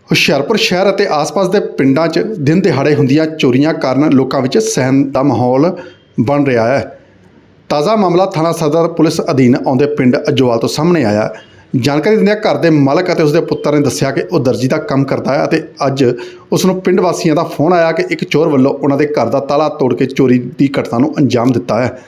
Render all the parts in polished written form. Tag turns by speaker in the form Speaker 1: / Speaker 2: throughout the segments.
Speaker 1: ਹੁਸ਼ਿਆਰਪੁਰ ਸ਼ਹਿਰ ਅਤੇ ਆਸ-ਪਾਸ ਦੇ ਪਿੰਡਾਂ 'ਚ ਦਿਨ ਦਿਹਾੜੇ ਹੁੰਦੀਆਂ ਚੋਰੀਆਂ ਕਾਰਨ ਲੋਕਾਂ ਵਿੱਚ ਸਹਿਮ ਦਾ ਮਾਹੌਲ ਬਣ ਰਿਹਾ ਹੈ। ਤਾਜ਼ਾ ਮਾਮਲਾ ਥਾਣਾ ਸਦਰ ਪੁਲਿਸ ਅਧੀਨ ਆਉਂਦੇ ਪਿੰਡ ਅਜੋਵਾਲ ਤੋਂ ਸਾਹਮਣੇ ਆਇਆ। ਜਾਣਕਾਰੀ ਦਿੰਦਿਆਂ ਘਰ ਦੇ ਮਾਲਕ ਅਤੇ ਉਸਦੇ ਪੁੱਤਰ ਨੇ ਦੱਸਿਆ ਕਿ ਉਹ ਦਰਜੀ ਦਾ ਕੰਮ ਕਰਦਾ ਹੈ ਅਤੇ ਅੱਜ ਉਸ ਨੂੰ ਪਿੰਡ ਵਾਸੀਆਂ ਦਾ ਫੋਨ ਆਇਆ ਕਿ ਇੱਕ ਚੋਰ ਵੱਲੋਂ ਉਹਨਾਂ ਦੇ ਘਰ ਦਾ ਤਾਲਾ ਤੋੜ ਕੇ ਚੋਰੀ ਦੀ ਘਟਨਾ ਨੂੰ ਅੰਜਾਮ ਦਿੱਤਾ ਹੈ।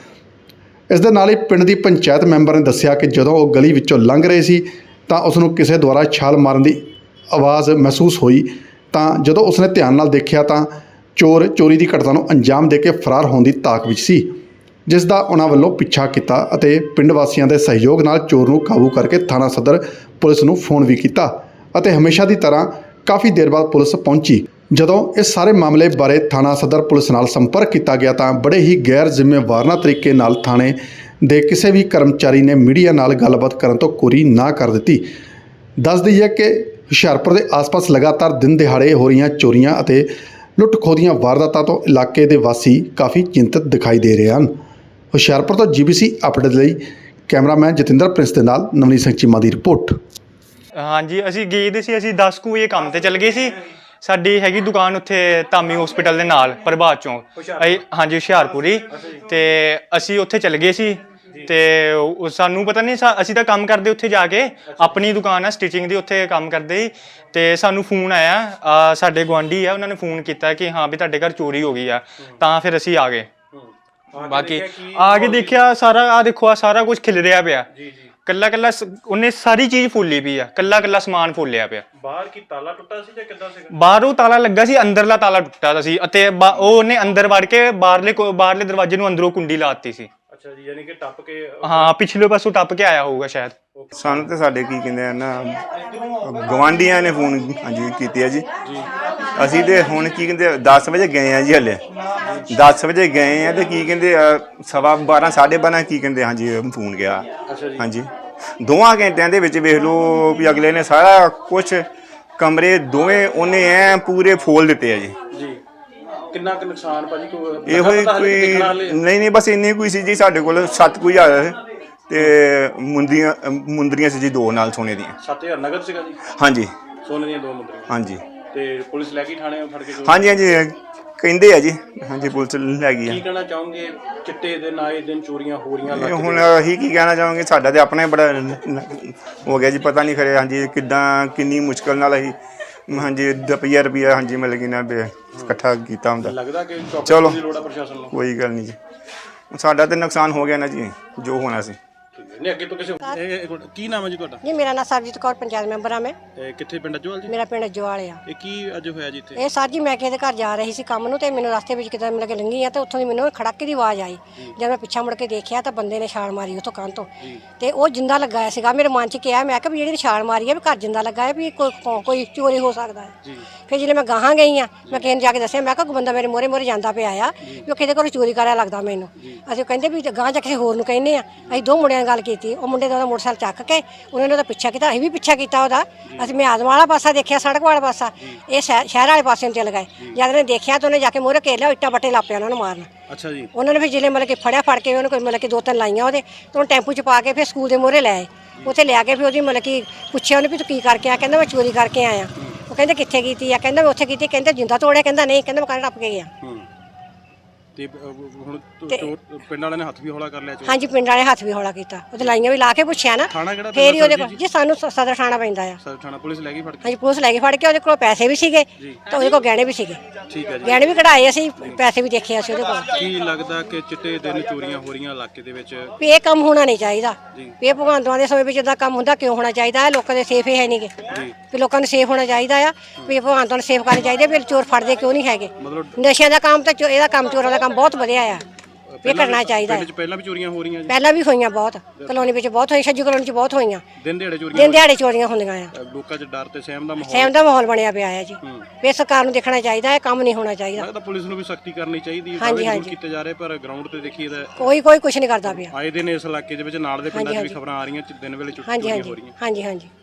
Speaker 1: ਇਸ ਦੇ ਨਾਲ ਹੀ ਪਿੰਡ ਦੀ ਪੰਚਾਇਤ ਮੈਂਬਰ ਨੇ ਦੱਸਿਆ ਕਿ ਜਦੋਂ ਉਹ ਗਲੀ ਵਿੱਚੋਂ ਲੰਘ ਰਹੇ ਸੀ ਤਾਂ ਉਸ ਨੂੰ ਕਿਸੇ ਦੁਆਰਾ ਛਾਲ ਮਾਰਨ ਦੀ ਆਵਾਜ਼ ਮਹਿਸੂਸ ਹੋਈ। ਤਾਂ ਜਦੋਂ ਉਸਨੇ ਧਿਆਨ ਨਾਲ ਦੇਖਿਆ ਤਾਂ ਚੋਰ ਚੋਰੀ ਦੀ ਘਟਨਾ ਨੂੰ ਅੰਜਾਮ ਦੇ ਕੇ ਫਰਾਰ ਹੋਣ ਦੀ ਤਾਕ ਵਿੱਚ ਸੀ, ਜਿਸ ਦਾ ਉਹਨਾਂ ਵੱਲੋਂ ਪਿੱਛਾ ਕੀਤਾ ਅਤੇ ਪਿੰਡ ਵਾਸੀਆਂ ਦੇ ਸਹਿਯੋਗ ਨਾਲ ਚੋਰ ਨੂੰ ਕਾਬੂ ਕਰਕੇ ਥਾਣਾ ਸਦਰ ਪੁਲਿਸ ਨੂੰ ਫੋਨ ਵੀ ਕੀਤਾ ਅਤੇ ਹਮੇਸ਼ਾ ਦੀ ਤਰ੍ਹਾਂ ਕਾਫੀ ਦੇਰ ਬਾਅਦ ਪੁਲਿਸ ਪਹੁੰਚੀ। ਜਦੋਂ ਇਸ ਸਾਰੇ ਮਾਮਲੇ ਬਾਰੇ ਥਾਣਾ ਸਦਰ ਪੁਲਿਸ ਨਾਲ ਸੰਪਰਕ ਕੀਤਾ ਗਿਆ ਤਾਂ ਬੜੇ ਹੀ ਗੈਰ ਜ਼ਿੰਮੇਵਾਰਾਨਾ ਤਰੀਕੇ ਨਾਲ ਥਾਣੇ ਦੇ ਕਿਸੇ ਵੀ ਕਰਮਚਾਰੀ ਨੇ ਮੀਡੀਆ ਨਾਲ ਗੱਲਬਾਤ ਕਰਨ ਤੋਂ ਕੋਰੀ ਨਾ ਕਰ ਦਿੱਤੀ। ਦੱਸ ਦਈਏ ਕਿ ਹੁਸ਼ਿਆਰਪੁਰ ਦੇ ਆਸ-ਪਾਸ ਲਗਾਤਾਰ ਦਿਨ ਦਿਹਾੜੇ ਹੋ ਰਹੀਆਂ ਚੋਰੀਆਂ ਅਤੇ ਲੁੱਟ-ਖੋਹ ਦੀਆਂ ਵਾਰਦਾਤਾਂ ਤੋਂ ਇਲਾਕੇ ਦੇ ਵਾਸੀ ਕਾਫੀ ਚਿੰਤਤ ਦਿਖਾਈ ਦੇ ਰਹੇ ਹਨ। ਹੁਸ਼ਿਆਰਪੁਰ ਤੋਂ GBC ਅਪਡੇਟ ਲਈ ਕੈਮਰਾਮੈਨ ਜਤਿੰਦਰ ਪ੍ਰਿੰਸ ਦੇ ਨਾਲ ਨਵਨੀਤ ਸਿੰਘ ਚੀਮਾ ਦੀ ਰਿਪੋਰਟ।
Speaker 2: ਹਾਂਜੀ, ਅਸੀਂ ਗਏ ਦੇ ਸੀ, ਅਸੀਂ 10 ਵਜੇ ਕੰਮ ਤੇ ਚੱਲ ਗਏ ਸੀ। ਸਾਡੀ ਹੈਗੀ ਦੁਕਾਨ ਉੱਥੇ ਧਾਮੀ ਹਸਪੀਟਲ ਦੇ ਨਾਲ ਪ੍ਰਭਾਤ ਚੌਂਕ, ਹਾਂਜੀ ਹੁਸ਼ਿਆਰਪੁਰ ਹੀ। ਤੇ ਅਸੀਂ ਉੱਥੇ ਚੱਲ ਗਏ ਸੀ ਤੇ ਸਾਨੂੰ ਪਤਾ ਨਹੀਂ, ਅਸੀਂ ਤਾਂ ਕੰਮ ਕਰਦੇ ਉੱਥੇ ਜਾ ਕੇ, ਆਪਣੀ ਦੁਕਾਨ ਆ ਸਟਿਚਿੰਗ ਦੀ, ਉੱਥੇ ਕੰਮ ਕਰਦੇ ਸੀ। ਤੇ ਸਾਨੂੰ ਫੋਨ ਆਇਆ, ਸਾਡੇ ਗੁਆਂਢੀ ਆ, ਉਹਨਾਂ ਨੇ ਫੋਨ ਕੀਤਾ ਕਿ ਹਾਂ ਵੀ ਤੁਹਾਡੇ ਘਰ ਚੋਰੀ ਹੋ ਗਈ ਆ। ਤਾਂ ਫਿਰ ਅਸੀਂ ਆ ਗਏ। ਬਾਕੀ ਆ ਕੇ ਦੇਖਿਆ ਸਾਰਾ, ਆ ਦੇਖੋ ਆ ਸਾਰਾ ਕੁਝ ਖਿਲ ਰਿਹਾ ਪਿਆ। ਕੱਲਾ ਕੱਲਾ ਉਹਨੇ ਸਾਰੀ ਚੀਜ਼ ਫੋਲੀ ਪਈ ਆ, ਕੱਲਾ ਕੱਲਾ ਸਮਾਨ ਫੋਲਿਆ ਪਿਆ।
Speaker 3: ਬਾਹਰ ਕੀ ਤਾਲਾ ਟੁੱਟਾ ਸੀ ਜਾਂ ਕਿੱਦਾਂ ਸੀਗਾ?
Speaker 2: ਬਾਹਰੋਂ ਤਾਲਾ ਲੱਗਾ ਸੀ, ਅੰਦਰਲਾ ਤਾਲਾ ਟੁੱਟਾ ਸੀ ਅਤੇ ਉਹਨੇ ਅੰਦਰ ਵੜ ਕੇ ਬਾਹਰਲੇ ਦਰਵਾਜ਼ੇ ਨੂੰ ਅੰਦਰੋਂ ਕੁੰਡੀ ਲਾਤੀ ਸੀ।
Speaker 3: ਅੱਛਾ ਜੀ, ਯਾਨੀ ਕਿ ਟੱਪ ਕੇ?
Speaker 2: ਹਾਂ, ਪਿਛਲੇ ਪਾਸੋਂ ਟੱਪ ਕੇ ਆਇਆ ਹੋਊਗਾ ਸ਼ਾਇਦ।
Speaker 4: ਸਾਨੂੰ ਤੇ ਸਾਡੇ ਕੀ ਕਹਿੰਦੇ ਆ ਨਾ, ਗਵਾਂਢੀਆਂ ਨੇ ਫੋਨ ਹਾਂਜੀ ਕੀਤੀ ਆ ਜੀ। ਅਸੀਂ ਤੇ ਹੁਣ ਕੀ ਕਹਿੰਦੇ 10 ਵਜੇ ਗਏ ਆ ਜੀ, ਹਲੇ 10 ਵਜੇ ਗਏ ਆ ਤੇ ਕੀ ਕਹਿੰਦੇ 12:15 12:30 ਕੀ ਕਹਿੰਦੇ ਹਾਂਜੀ ਫੋਨ ਗਿਆ। ਹਾਂਜੀ, 2 ਘੰਟਿਆਂ ਦੇ ਵਿੱਚ ਵੇਖ ਲਓ ਵੀ ਅਗਲੇ ਨੇ ਸਾਰਾ ਕੁਛ ਕਮਰੇ ਦੋਵੇਂ ਉਹਨੇ ਐ ਪੂਰੇ ਫੋਲ ਦਿੱਤੇ ਆ ਜੀ।
Speaker 3: ਕਿੰਨਾ ਕੁ ਨੁਕਸਾਨ ਭਾਜੀ?
Speaker 4: ਇਹੋ ਹੀ ਕੋਈ ਨਹੀਂ ਬਸ ਇੰਨੀ ਕੋਈ ਸੀ ਜੀ। ਸਾਡੇ ਕੋਲ 7,000 ਤੇ ਮੁੰਦਰੀਆਂ ਸੀ ਜੀ 2 ਨਾਲ ਸੋਨੇ ਦੀਆਂ।
Speaker 3: 7,000 ਨਗਦ ਸੀਗਾ ਜੀ?
Speaker 4: ਹਾਂਜੀ,
Speaker 3: ਸੋਨੇ ਦੀਆਂ 2 ਮੁੰਦਰੀਆਂ। ਹਾਂਜੀ, ਤੇ ਪੁਲਿਸ ਲੈ ਕੇ ਥਾਣੇ ਫੜ ਕੇ?
Speaker 4: ਹਾਂਜੀ ਕਹਿੰਦੇ ਆ ਜੀ। ਹਾਂਜੀ, ਪੁਲਿਸ ਲੈ ਗਈ ਆ।
Speaker 3: ਕੀ ਕਹਿਣਾ ਚਾਹੋਗੇ, ਚਿੱਟੇ ਦਿਨ ਆਏ ਦਿਨ ਚੋਰੀਆਂ ਹੋ ਰਹੀਆਂ?
Speaker 4: ਹੁਣ ਅਸੀਂ ਕੀ ਕਹਿਣਾ ਚਾਹਾਂਗੇ, ਸਾਡਾ ਤੇ ਆਪਣਾ ਹੀ ਬੜਾ ਹੋ ਗਿਆ ਜੀ। ਪਤਾ ਨਹੀਂ ਖਰੇ ਹਾਂਜੀ ਕਿੱਦਾਂ ਕਿੰਨੀ ਮੁਸ਼ਕਲ ਨਾਲ ਅਸੀਂ ਹਾਂਜੀ ਰੁਪਈਆ ਹਾਂਜੀ ਮਿਲ ਗਈ ਨਾ ਇਕੱਠਾ ਕੀਤਾ ਹੁੰਦਾ।
Speaker 3: ਲੱਗਦਾ ਕਿ
Speaker 4: ਚਲੋ
Speaker 3: ਦੀ ਲੋੜ ਆ ਪ੍ਰਸ਼ਾਸਨ ਨੂੰ?
Speaker 4: ਕੋਈ ਗੱਲ ਨਹੀਂ ਜੀ, ਸਾਡਾ ਤੇ ਨੁਕਸਾਨ ਹੋ ਗਿਆ ਨਾ ਜੀ ਜੋ ਹੋਣਾ ਸੀ।
Speaker 3: ਨਹੀਂ ਅੱਗੇ ਤੋਂ ਕਿਸੇ ਕੀ ਨਾਮ ਹੈ ਜੀ ਤੁਹਾਡਾ?
Speaker 5: ਜੀ ਮੇਰਾ ਨਾਮ ਸਰਜੀਤ ਕੌਰ, ਪੰਚਾਇਤ ਮੈਂਬਰ ਆ ਮੈਂ।
Speaker 3: ਕਿੱਥੇ ਪਿੰਡ ਅਜਵਾਲ ਜੀ?
Speaker 5: ਮੇਰਾ ਪਿੰਡ ਅਜਵਾਲ ਆ।
Speaker 3: ਇਹ ਕੀ ਅੱਜ ਹੋਇਆ ਜੀ ਇੱਥੇ?
Speaker 5: ਇਹ ਸਰ ਜੀ ਮੈਂ ਕਿਸੇ ਦੇ ਘਰ ਜਾ ਰਹੀ ਸੀ ਕੰਮ ਨੂੰ ਤੇ ਮੈਨੂੰ ਰਸਤੇ ਵਿੱਚ ਕਿਤੇ ਮਿਲ ਕੇ ਲੰਘੀ ਆ ਤੇ ਉੱਥੋਂ ਦੀ ਮੈਨੂੰ ਖੜਾਕੇ ਦੀ ਆਵਾਜ਼ ਆਈ। ਜਦ ਮੈਂ ਪਿੱਛਾ ਮੁੜ ਕੇ ਦੇਖਿਆ ਤਾਂ ਬੰਦੇ ਨੇ ਛਾਲ ਮਾਰੀ ਉੱਥੋਂ ਕੰਨ ਤੋਂ ਤੇ ਉਹ ਜਿੰਦਾ ਲੱਗਾ ਸੀਗਾ। ਮੇਰੇ ਮਨ 'ਚ ਕਿਹਾ, ਮੈਂ ਕਿਹਾ ਵੀ ਜਿਹੜੀ ਛਾਲ ਮਾਰੀ ਆ ਵੀ ਘਰ ਜਿੰਦਾ ਲੱਗਾ ਹੈ, ਵੀ ਕੋਈ ਚੋਰੀ ਹੋ ਸਕਦਾ ਹੈ। ਫਿਰ ਜਦੋਂ ਮੈਂ ਗਾਹਾਂ ਗਈ ਆ, ਮੈਂ ਕਿਸੇ ਨੂੰ ਜਾ ਕੇ ਦੱਸਿਆ, ਮੈਂ ਕਿਹਾ ਕੋਈ ਬੰਦਾ ਮੇਰੇ ਮੋਹਰੇ ਜਾਂਦਾ ਪਿਆ ਆ ਵੀ ਉਹ ਕਿਤੇ ਘਰੋਂ ਚੋਰੀ ਕਰਿਆ ਲੱਗਦਾ ਮੈਨੂੰ। ਅਸੀਂ ਕਹਿੰਦੇ ਵੀ ਗਾਹਾਂ ਜਾ ਕਿਸੇ ਹੋਰ ਨੂੰ ਕਹਿੰਦੇ ਆ। ਅਸੀਂ 2 ਮੁੰਡਿਆਂ ਨਾਲ ਗੱਲ ਕੀਤੀ, ਉਹ ਮੁੰਡੇ ਦਾ ਉਹਦਾ ਮੋਟਰਸਾਈਕਲ ਚੱਕ ਕੇ ਉਹਨਾਂ ਨੇ ਉਹਦਾ ਪਿੱਛਾ ਕੀਤਾ, ਅਸੀਂ ਵੀ ਪਿੱਛਾ ਕੀਤਾ ਉਹਦਾ। ਅਸੀਂ ਮੈਂ ਆਦਮ ਵਾਲਾ ਪਾਸਾ ਦੇਖਿਆ, ਸੜਕ ਵਾਲਾ ਪਾਸਾ, ਇਹ ਸ਼ਹਿਰ ਵਾਲੇ ਪਾਸੇ ਨੂੰ ਚੱਲ ਗਏ। ਜਦ ਨੇ ਦੇਖਿਆ ਤਾਂ ਉਹਨੇ ਜਾ ਕੇ ਮੂਹਰੇ ਘੇਰ ਲਿਆ, ਇੱਟਾਂ ਬੱਟੇ ਲਾਪਿਆ ਉਹਨਾਂ ਨੂੰ ਮਾਰਨ।
Speaker 3: ਅੱਛਾ ਜੀ।
Speaker 5: ਉਹਨਾਂ ਨੇ ਫਿਰ ਜਿਲੇ ਮਤਲਬ ਕਿ ਫੜ ਕੇ ਉਹਨੂੰ ਕੋਈ ਮਤਲਬ ਕਿ 2-3 ਲਾਈਆਂ ਉਹਦੇ ਤੇ ਉਹਨੂੰ ਟੈਂਪੂ 'ਚ ਪਾ ਕੇ ਫਿਰ ਸਕੂਲ ਦੇ ਮੂਹਰੇ ਲੈ ਆਏ। ਉੱਥੇ ਲਿਆ ਕੇ ਫਿਰ ਉਹਦੀ ਮਤਲਬ ਕਿ ਪੁੱਛਿਆ ਉਹਨੇ ਵੀ ਤੂੰ ਕੀ ਕਰਕੇ ਆਇਆ? ਕਹਿੰਦਾ ਮੈਂ ਚੋਰੀ ਕਰਕੇ ਆਇਆ। ਉਹ ਕਹਿੰਦੇ ਕਿੱਥੇ ਕੀਤੀ ਆ? ਕਹਿੰਦਾ ਮੈਂ ਉੱਥੇ ਕੀਤੀ। ਕਹਿੰਦੇ ਜਿੰਦਾ ਤੋੜਿਆ? ਕਹਿੰਦਾ ਨਹੀਂ, ਕਹਿੰਦਾ ਮੈਂ ਕੰਨ ਟੱਪ ਕੇ ਗਿਆ।
Speaker 3: ਤੇ ਹੁਣ ਪਿੰਡ ਵਾਲਿਆਂ ਨੇ ਹੱਥ ਵੀ ਹੌਲਾ ਕਰ ਲਿਆ?
Speaker 5: ਹਾਂਜੀ, ਪਿੰਡ ਵਾਲੇ ਹੱਥ ਵੀ ਹੌਲਾ ਕੀਤਾ, ਉਹਦੇ ਲਾਈਆਂ ਵੀ ਲਾ ਕੇ ਪੁੱਛਿਆ ਨਾ। ਫੇਰ ਹੀ ਉਹਦੇ ਕੋਲ ਜੀ ਸਾਨੂੰ ਸਦਰ ਥਾਣਾ ਪੈਂਦਾ ਆ।
Speaker 3: ਸਦਰ ਥਾਣਾ ਪੁਲਿਸ ਲੈ ਗਈ ਫੜ ਕੇ?
Speaker 5: ਹਾਂਜੀ, ਪੁਲਿਸ ਲੈ ਕੇ ਫੜ ਕੇ। ਉਹਦੇ ਕੋਲ ਪੈਸੇ ਵੀ ਸੀਗੇ ਤੇ ਉਹਦੇ ਕੋਲ ਗਹਿਣੇ ਵੀ ਸੀਗੇ।
Speaker 3: ਠੀਕ ਹੈ ਜੀ।
Speaker 5: ਗਹਿਣੇ ਵੀ ਕਢਾਏ ਅਸੀਂ, ਪੈਸੇ ਵੀ ਦੇਖੇ ਅਸੀਂ ਉਹਦੇ ਕੋਲ।
Speaker 3: ਕੀ ਲੱਗਦਾ ਕਿ ਚਿੱਟੇ ਦਿਨ ਚੋਰੀਆਂ ਹੋ ਰਹੀਆਂ ਇਲਾਕੇ ਦੇ ਵਿੱਚ?
Speaker 5: ਵੀ ਇਹ ਕੰਮ ਹੋਣਾ ਨਹੀਂ ਚਾਹੀਦਾ। ਵੀ ਇਹ ਭਗਵੰਤਾਂ ਦੇ ਸਮੇਂ ਵਿੱਚ ਇਦਾਂ ਕੰਮ ਹੁੰਦਾ ਕਿਉਂ ਹੋਣਾ ਚਾਹੀਦਾ? ਲੋਕਾਂ ਦੇ ਸੇਫ ਹੀ ਹੈ ਨਹੀਂਗੇ। ਵੀ ਲੋਕਾਂ ਨੂੰ ਸੇਫ ਹੋਣਾ ਚਾਹੀਦਾ ਆ, ਵੀ ਭਗਵੰਤਾਂ ਨੂੰ ਸੇਫ ਕਰਨੇ ਚਾਹੀਦੇ। ਵੀ ਚੋਰ ਫੜਦੇ ਕਿਉਂ ਨਹੀਂ ਹੈਗੇ? ਨਸ਼ਿਆਂ ਦਾ ਕੰਮ ਤੇ ਇਹਦਾ ਕੰਮ, ਚੋਰਾਂ ਦਾ ਕੰਮ ਬਹੁਤ ਵਧੀਆ ਆ, ਇਹ ਕਰਨਾ ਚਾਹੀਦਾ।
Speaker 3: ਪਹਿਲਾਂ ਵੀ ਚੋਰੀਆਂ ਹੋ ਰਹੀਆਂ ਜੀ?
Speaker 5: ਪਹਿਲਾਂ ਵੀ ਹੋਈਆਂ ਬਹੁਤ, ਕਲੋਨੀ ਵਿੱਚ ਬਹੁਤ ਹੋਈ, ਛੱਜੂ ਕਲੋਨੀ 'ਚ ਬਹੁਤ ਹੋਈਆਂ।
Speaker 3: ਦਿਨ ਦਿਹਾੜੇ
Speaker 5: ਚੋਰੀਆਂ ਹੁੰਦੀਆਂ ਆ।
Speaker 3: ਲੋਕਾਂ 'ਚ ਡਰ ਤੇ ਸਹਿਮ
Speaker 5: ਦਾ ਮਾਹੌਲ ਬਣਿਆ ਪਿਆ ਆ ਜੀ। ਵੀ ਸਰਕਾਰ ਨੂੰ ਦੇਖਣਾ ਚਾਹੀਦਾ, ਇਹ ਕੰਮ ਨਹੀਂ ਹੋਣਾ ਚਾਹੀਦਾ।
Speaker 3: ਲੱਗਦਾ ਪੁਲਿਸ ਨੂੰ ਵੀ ਸਖਤੀ ਕਰਨੀ ਚਾਹੀਦੀ ਹੈ।
Speaker 5: ਹਾਂਜੀ
Speaker 3: ਕੀਤੇ ਜਾ ਰਹੇ ਪਰ ਗਰਾਊਂਡ ਤੇ ਦੇਖੀਏ ਤਾਂ
Speaker 5: ਕੋਈ ਕੁਝ ਨਹੀਂ ਕਰਦਾ ਪਿਆ।
Speaker 3: ਆਏ ਦਿਨ ਇਸ ਇਲਾਕੇ ਦੇ ਵਿੱਚ ਨਾਲ ਦੇ ਪਿੰਡਾਂ 'ਚ ਵੀ ਖਬਰਾਂ ਆ ਰਹੀਆਂ ਦਿਨ ਵੇਲੇ ਚੋਰੀਆਂ ਹੋ ਰਹੀਆਂ।
Speaker 5: ਹਾਂਜੀ।